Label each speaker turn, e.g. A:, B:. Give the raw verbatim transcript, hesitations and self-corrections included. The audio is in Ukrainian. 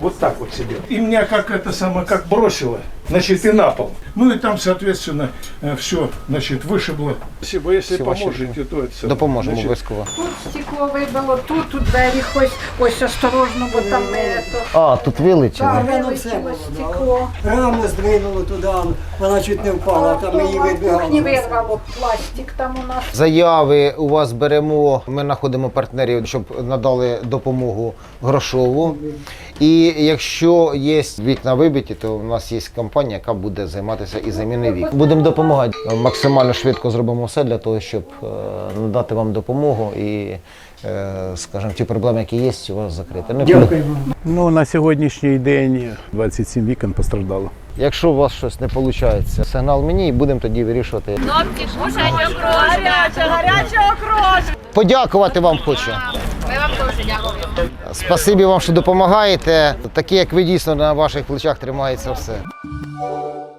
A: вот так вот сидел. И меня как это самое, как бросило, значит, и на пол. Ну и там, соответственно, все, значит, вышибло. Спасибо, если
B: Всі
A: поможете, то это...
B: Допоможемо
A: значит,
B: обов'язково.
C: Тут стекло вибило, тут, тут двері ось, ось осторожно, бо там не то.
B: А, тут вилетіло.
C: Так,
D: Воно все
C: вилетіло
D: було,
C: стекло.
D: да. Раму здвинуло туди, вона чуть не впала, там її
C: В кухні
D: вибігали.
C: вирвало пластик там у нас.
B: Заяви у вас беремо, ми знаходимо партнерів, щоб надали допомогу грошову. І якщо є вікна вибиті, то у нас є компанія, яка буде займатися і заміною вікон. Будемо допомагати. Максимально швидко зробимо все для того, щоб е, надати вам допомогу і, е, скажімо, ті проблеми, які є, у вас закрити. Не буде.
E: Ну, на сьогоднішній день двадцять сім вікон постраждало.
B: Якщо у вас щось не виходить, сигнал мені і будемо тоді вирішувати.
F: Хлопці, кушать окрошка, гаряча окрошка.
B: Подякувати вам хочу.
F: Ми вам дуже дякуємо.
B: Спасибі вам, що допомагаєте. Такі, як ви, дійсно на ваших плечах тримається все.